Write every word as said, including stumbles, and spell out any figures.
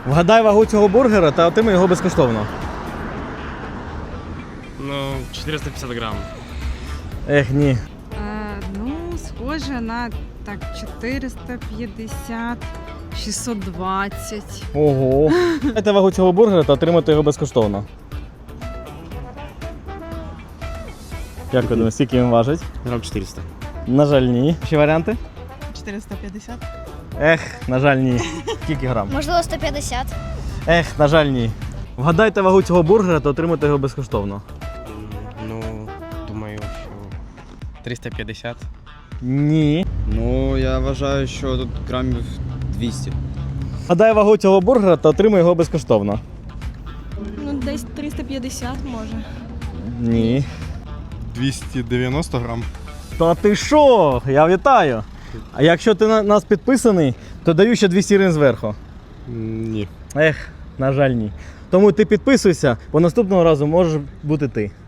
Вгадай вагу цього бургера та отримай його безкоштовно. Ну, четыреста пятьдесят грамм. Ех, ні. Е, ну, схоже на так чотириста п'ятдесят, шістсот двадцять. Ого. Вгадайте вагу цього бургера та отримати його безкоштовно. Як ви думаєте, скільки він важить? Грамм четыреста. На жаль, ні. Ще варіанти? чотириста п'ятдесят. Ех, на жаль, ні. Скільки грам? Можливо, сто п'ятдесят. Ех, на жаль, ні. Вгадайте вагу цього бургера та отримайте його безкоштовно. Ну, думаю, що триста п'ятдесят. Ні. Ну, я вважаю, що тут грамів двісті. Вгадай вагу цього бургера та отримай його безкоштовно. Ну, десь триста п'ятдесят може. Ні. двісті дев'яносто грам. Та ти що? Я вітаю. А якщо ти на нас підписаний, то даю ще двісті гривень зверху. Ні. Ех, на жаль, ні. Тому ти підписуйся, бо наступного разу можеш бути ти.